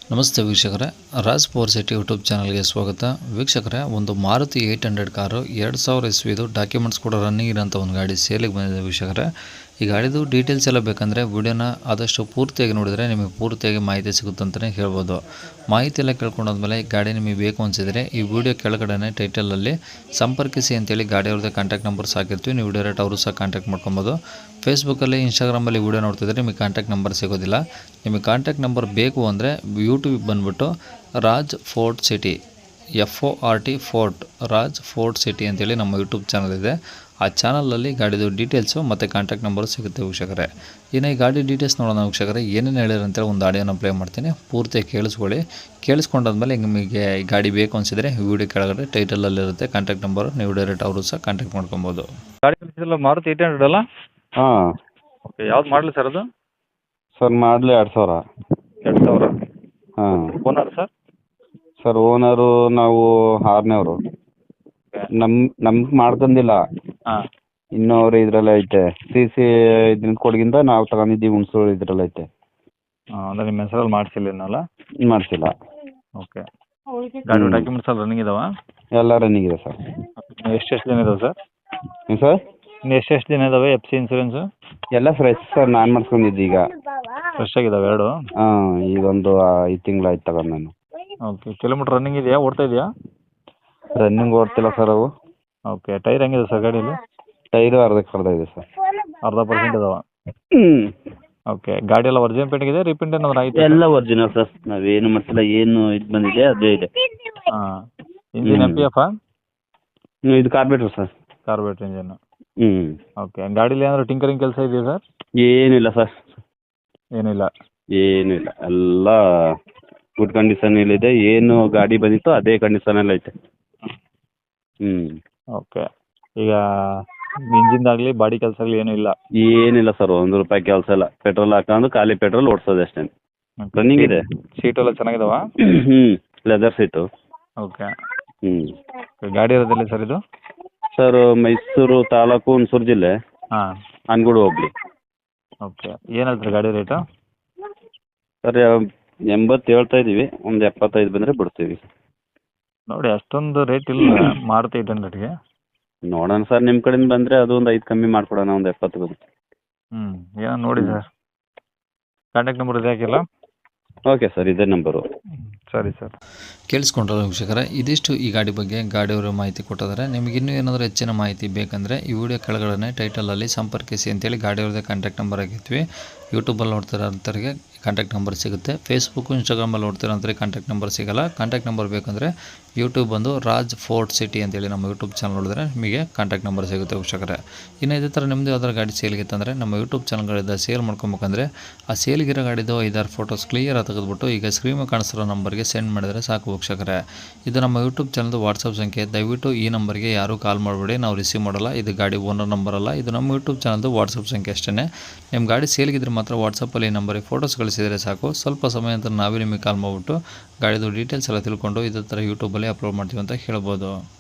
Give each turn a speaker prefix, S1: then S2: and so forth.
S1: ನಮಸ್ತೆ ವೀಕ್ಷಕರೇ, Raj power city YouTube ಚಾನಲ್ಗೆ ಸ್ವಾಗತ. ವೀಕ್ಷಕರೇ, ಒಂದು ಮಾರುತಿ 800 ಕಾರು 2000 ಇಸ್ವಿದು ಡಾಕ್ಯುಮೆಂಟ್ಸ್ ಕೂಡ ರನ್ನಿಂಗ್ ಇರೋಂಥ ಒಂದು ಗಾಡಿ ಸೇಲಿಗೆ ಬಂದಿದೆ ವೀಕ್ಷಕರೇ. ಈ ಗಾಡಿದು ಡೀಟೇಲ್ಸ್ ಎಲ್ಲ ಬೇಕಂದರೆ ವಿಡಿಯೋನ ಆದಷ್ಟು ಪೂರ್ತಿಯಾಗಿ ನೋಡಿದರೆ ನಿಮಗೆ ಪೂರ್ತಿಯಾಗಿ ಮಾಹಿತಿ ಸಿಗುತ್ತೆ ಅಂತಲೇ ಹೇಳ್ಬೋದು. ಮಾಹಿತಿ ಎಲ್ಲ ಕೇಳ್ಕೊಂಡಾದ್ಮೇಲೆ ಗಾಡಿ ನಿಮಗೆ ಬೇಕು ಅನಿಸಿದರೆ ಈ ವಿಡಿಯೋ ಕೆಳಗಡೆ ಟೈಟಲಲ್ಲಿ ಸಂಪರ್ಕಿಸಿ ಅಂತೇಳಿ ಗಾಡಿಯವ್ರದ್ದೇ ಕಾಂಟ್ಯಾಕ್ಟ್ ನಂಬರ್ಸ್ ಹಾಕಿರ್ತೀವಿ. ನೀವು ಡೈರೆಕ್ಟ್ ಅವರು ಸಹ ಕಾಂಟ್ಯಾಕ್ಟ್ ಮಾಡ್ಕೊಬೋದು. ಫೇಸ್ಬುಕ್ಕಲ್ಲಿ, ಇನ್ಸ್ಟಾಗ್ರಾಮಲ್ಲಿ ವಿಡಿಯೋ ನೋಡ್ತಿದ್ರೆ ನಿಮಗೆ ಕಾಂಟ್ಯಾಕ್ಟ್ ನಂಬರ್ ಸಿಗೋದಿಲ್ಲ. ನಿಮಗೆ ಕಾಂಟ್ಯಾಕ್ಟ್ ನಂಬರ್ ಬೇಕು ಅಂದರೆ ಯೂಟ್ಯೂಬಿಗೆ ಬಂದುಬಿಟ್ಟು Raj fort city FORT fort Raj fort city ಅಂತೇಳಿ ನಮ್ಮ ಯೂಟ್ಯೂಬ್ ಚಾನಲ್ ಇದೆ. ಆ ಚಾನಲಲ್ಲಿ ಗಾಡಿದು ಡೀಟೇಲ್ಸು ಮತ್ತು ಕಾಂಟ್ಯಾಕ್ಟ್ ನಂಬರು ಸಿಗುತ್ತೆ ವೀಕ್ಷಕರೇ. ಇನ್ನು ಈ ಗಾಡಿ ಡೀಟೇಲ್ಸ್ ನೋಡೋಣ ವೀಕ್ಷಕರೇ. ಏನೇನು ಹೇಳಿರಂತೇಳಿ ಒಂದು ಆಡಿಯೋನ ಪ್ಲೇ ಮಾಡ್ತೀನಿ, ಪೂರ್ತಿಯಾಗಿ ಕೇಳಿಸ್ಕೊಳ್ಳಿ. ಕೇಳಿಸ್ಕೊಂಡಾದ್ಮೇಲೆ ನಿಮಗೆ ಈ ಗಾಡಿ ಬೇಕು ಅನಿಸಿದರೆ ವಿಡಿಯೋ ಕೆಳಗಡೆ ಟೈಟಲಲ್ಲಿರುತ್ತೆ ಕಾಂಟ್ಯಾಕ್ಟ್ ನಂಬರು. ನೀವು ಡೈರೆಕ್ಟ್ ಅವರು ಸಹ ಕಾಂಟ್ಯಾಕ್ಟ್ ಮಾಡ್ಕೊಬೋದು.
S2: ಗಾಡಿ ಕಳಿಸಿದ್ರಲ್ಲ ಮಾರುತಿ 800 ಅಲ್ಲ?
S3: ಹಾಂ
S2: ಓಕೆ, ಯಾವ್ದು ಮಾಡಲಿ ಸರ್ ಅದು?
S3: ಸರ್ ಮಾಡಲಿ 2000.
S2: 2000.
S3: ಹಾಂ
S2: ಓನರ್ ಸರ್?
S3: ಸರ್ ಓನರು ನಾವು 6ನೇವರು. ನಮ್ಗೆ ಮಾಡ್ಕೊಂಡಿಲ್ಲ,
S2: ಹಾಂ.
S3: ಇನ್ನೂ ಅವ್ರು ಇದ್ರಲ್ಲೇ ಐತೆ. CC ಇದ್ರಿಂದ ಕೊಡಗಿಂದ ನಾವು ತಗೊಂಡಿದ್ದೀವಿ, ಹುಣಸೂರು ಇದ್ರಲ್ಲ ಐತೆ.
S2: ಹಾಂ, ಅಂದರೆ ನಿಮ್ಮ ಹೆಸರಲ್ಲಿ ಮಾಡಿಸಿಲ್ಲ ಇನ್ನಲ್ಲ?
S3: ಮಾಡಿಸಿಲ್ಲ.
S2: ಓಕೆ. ಗಾಡಿ ಡಾಕ್ಯುಮೆಂಟ್ಸ್ ಎಲ್ಲ ರನ್ನಿಂಗ್ ಇದಾವ?
S3: ಎಲ್ಲ ರನ್ನಿಂಗ್ ಇದೆ ಸರ್.
S2: ಎಷ್ಟೆಷ್ಟು ದಿನ ಇದಾವೆ ಸರ್?
S3: ಏನು ಸರ್?
S2: ಇನ್ನು ಎಷ್ಟೆಷ್ಟು ದಿನ ಇದಾವೆ FC ಇನ್ಸೂರೆನ್ಸು?
S3: ಎಲ್ಲ ಫ್ರೆಶ್ ಸರ್, ನಾನು ಮಾಡಿಸ್ಕೊಂಡಿದ್ದು ಈಗ.
S2: ಫ್ರೆಶ್ ಆಗಿದಾವೆ ಎರಡು?
S3: ಹಾಂ, ಈಗ ಒಂದು 5 ತಿಂಗಳಾಯ್ತು ತಗೊಂಡು ನಾನು.
S2: ಓಕೆ. ಕಿಲೋಮೀಟ್ರ್ ರನ್ನಿಂಗ್ ಇದೆಯಾ, ಓಡ್ತಾ ಇದೆಯಾ?
S3: ರನ್ನಿಂಗ್ ಓಡ್ತಿಲ್ಲ ಸರ್ ಅವು.
S2: ಓಕೆ. ಟೈರ್ ಹೆಂಗಿದೆ ಸರ್ ಗಾಡೀಲಿ?
S3: ಟೈರು ಅರ್ಧಕ್ಕೆ ಅರ್ಧ ಇದೆ ಸರ್.
S2: 0.5% ಇದಾವೆ?
S3: ಹ್ಞೂ.
S2: ಓಕೆ. ಗಾಡಿ ಎಲ್ಲ ಒರಿಜಿನಲ್ ಪೇಂಟಿಂಗ್ ಇದೆ, ರೀಪೇಂಟ್ ಏನಾದ್ರು ಆಯ್ತು?
S3: ಎಲ್ಲ ಒರಿಜಿನಲ್ ಸರ್, ನಾವೇನು ಮಾಡಿಸಿಲ್ಲ. ಏನು ಇದು ಬಂದಿದೆ ಅದೇ ಇದೆ.
S2: ಹಾಂ. Engine MPF?
S3: ಇದು ಕಾರ್ಬೇಟ್ರ್ ಸರ್.
S2: Carburettor engine.
S3: ಹ್ಞೂ.
S2: ಓಕೆ. ಗಾಡೀಲಿ ಏನಾದ್ರು ಟಿಂಕರಿಂಗ್ ಕೆಲಸ ಇದೆಯಾ ಸರ್?
S3: ಏನಿಲ್ಲ ಸರ್,
S2: ಏನಿಲ್ಲ.
S3: ಏನಿಲ್ಲ, ಎಲ್ಲ ಗುಡ್ ಕಂಡೀಷನಲ್ಲಿದೆ. ಏನು ಗಾಡಿ ಬಂದಿತ್ತು ಅದೇ ಕಂಡೀಷನಲ್ಲಿ ಐತೆ. ಹ್ಞೂ.
S2: ಓಕೆ. ಈಗ ಇಂಜಿನ್ದಾಗಲಿ ಬಾಡಿ ಕೆಲಸ ಆಗಲಿ ಏನೂ ಇಲ್ಲ?
S3: ಏನಿಲ್ಲ ಸರ್, ₹1 ಕೆಲಸ ಇಲ್ಲ. ಪೆಟ್ರೋಲ್ ಹಾಕೊಂಡು ಖಾಲಿ ಪೆಟ್ರೋಲ್ ಓಡಿಸೋದು ಅಷ್ಟೇ. ರನ್ನಿಂಗ್ ಇದೆ.
S2: ಸೀಟ್ ಎಲ್ಲ ಚೆನ್ನಾಗಿದಾವ?
S3: ಹ್ಞೂ, ಲೆದರ್ ಸೀಟು.
S2: ಓಕೆ.
S3: ಹ್ಞೂ.
S2: ಗಾಡಿ ಇರೋದಿಲ್ಲ ಸರ್ ಇದು?
S3: ಸರ್ ಮೈಸೂರು ತಾಲೂಕು, ಹುಣಸೂರು ಜಿಲ್ಲೆ,
S2: ಹಾಂ.
S3: ಅನ್ಗುಡು ಹೋಗ್ಲಿ.
S2: ಓಕೆ. ಏನು ಹೇಳ್ತೀರಿ ಗಾಡಿ ರೇಟು?
S3: ಸರ್ 80 ಹೇಳ್ತಾ ಇದ್ದೀವಿ, ಒಂದು 75 ಬಂದರೆ ಬಿಡ್ತೀವಿ.
S2: ನೋಡಿ, ಅಷ್ಟೊಂದು ರೇಟ್ ಇಲ್ಲ ಮಾರುತಿ 800ಗೆ.
S3: ನೋಡೋಣ ಸರ್, ನಿಮ್ಮ ಕಡೆಯಿಂದ ಬಂದರೆ ಅದು ಒಂದು 5 ಕಮ್ಮಿ ಮಾಡಿಕೊಡೋಣ, ಒಂದು 70 ಬಂದು.
S2: ಏನೋ ನೋಡಿ ಸರ್. ಕಾಂಟ್ಯಾಕ್ಟ್ ನಂಬರ್ ಇದೆ ಹಾಕಿಲ್ಲ?
S3: ಓಕೆ ಸರ್, ಇದೇ ನಂಬರು.
S2: ಸರಿ ಸರ್.
S1: ಕೇಳಿಸ್ಕೊಂಡ್ರಲ್ಲ ವೀಕ್ಷಕರೇ, ಇದಿಷ್ಟು ಈ ಗಾಡಿ ಬಗ್ಗೆ ಗಾಡಿಯವರು ಮಾಹಿತಿ ಕೊಟ್ಟಿದ್ದಾರೆ. ನಿಮಗೆ ಇನ್ನೂ ಏನಾದರೂ ಹೆಚ್ಚಿನ ಮಾಹಿತಿ ಬೇಕಂದರೆ ಈ ವಿಡಿಯೋ ಕೆಳಗಡೆ ಟೈಟಲಲ್ಲಿ ಸಂಪರ್ಕಿಸಿ ಅಂತೇಳಿ ಗಾಡಿಯವ್ರದ್ದೇ ಕಾಂಟ್ಯಾಕ್ಟ್ ನಂಬರ್ ಆಗಿರ್ತೀವಿ. ಯೂಟ್ಯೂಬಲ್ಲಿ ನೋಡ್ತಿರೋಂಥವ್ರಿಗೆ ಕಾಂಟ್ಯಾಕ್ಟ್ ನಂಬರ್ ಸಿಗುತ್ತೆ. ಫೇಸ್ಬುಕ್ಕು, ಇನ್ಸ್ಟಾಗ್ರಾಮಲ್ಲಿ ನೋಡ್ತಿರೋಂಥವ್ರಿಗೆ ಕಾಂಟ್ಯಾಕ್ಟ್ ನಂಬರ್ ಸಿಗೋಲ್ಲ. ಕಾಂಟ್ಯಾಕ್ಟ್ ನಂಬರ್ ಬೇಕಂದರೆ ಯೂಟ್ಯೂಬ್ ಬಂದು ರಾಜ್ ಫೋರ್ಟ್ ಸಿಟಿ ಅಂತೇಳಿ ನಮ್ಮ ಯೂಟ್ಯೂಬ್ ಚಾನಲ್ ನೋಡಿದ್ರೆ ನಿಮಗೆ ಕಾಂಟ್ಯಾಕ್ಟ್ ನಂಬರ್ ಸಿಗುತ್ತೆ ವೀಕ್ಷಕರೇ. ಇನ್ನು ಇದೇ ಥರ ನಿಮ್ಮದು ಯಾವ್ದಾರು ಗಾಡಿ ಸೇಲ್ಗಿತ್ತಂದರೆ ನಮ್ಮ ಯೂಟ್ಯೂಬ್ ಚಾನಲ್ಗಳಿಂದ ಸೇಲ್ ಮಾಡ್ಕೊಬೇಕಂದ್ರೆ ಆ ಸೇಲ್ಗಿರೋ ಗಾಡಿದು 5-6 ಫೋಟೋಸ್ ಕ್ಲಿಯರಾಗಿ ತೆಗೆದುಬಿಟ್ಟು ಈಗ ಸ್ಕ್ರೀನ್ ಕಾಣಿಸಿರೋ ನಂಬರ್ಗೆ ಸೆಂಡ್ ಮಾಡಿದರೆ ಸಾಕು ವೀಕ್ಷಕರೇ. ಇದು ನಮ್ಮ ಯೂಟ್ಯೂಬ್ ಚಾನಲ್ದು ವಾಟ್ಸಪ್ ಸಂಖ್ಯೆ. ದಯವಿಟ್ಟು ಈ ನಂಬರ್ಗೆ ಯಾರೂ ಕಾಲ್ ಮಾಡಬೇಡಿ, ನಾವು ರಿಸೀವ್ ಮಾಡಲ್ಲ. ಇದು ಗಾಡಿ ಓನರ್ ನಂಬರ್ ಅಲ್ಲ, ಇದು ನಮ್ಮ ಯೂಟ್ಯೂಬ್ ಚಾನಲ್ದು ವಾಟ್ಸಪ್ ಸಂಖ್ಯೆ ಅಷ್ಟೇ. ನಿಮ್ಮ ಗಾಡಿ ಸೇಲ್ಗಿದ್ರೆ ಮಾತ್ರ ವಾಟ್ಸಪ್ಪಲ್ಲಿ ಈ ನಂಬರಿಗೆ ಫೋಟೋಸ್ ಕಳಿಸಿದರೆ ಸಾಕು. ಸ್ವಲ್ಪ ಸಮಯ ನಂತರ ನಾವೇ ನಿಮಗೆ ಕಾಲ್ ಮಾಡಿಬಿಟ್ಟು ಗಾಡಿದು ಡೀಟೇಲ್ಸ್ ಎಲ್ಲ ತಿಳ್ಕೊಂಡು ಇದೇ ಥರ ಯೂಟ್ಯೂಬಲ್ಲಿ ಅಪ್ಲೋಡ್ ಮಾಡ್ತೀವಿ ಅಂತ ಹೇಳ್ಬೋದು.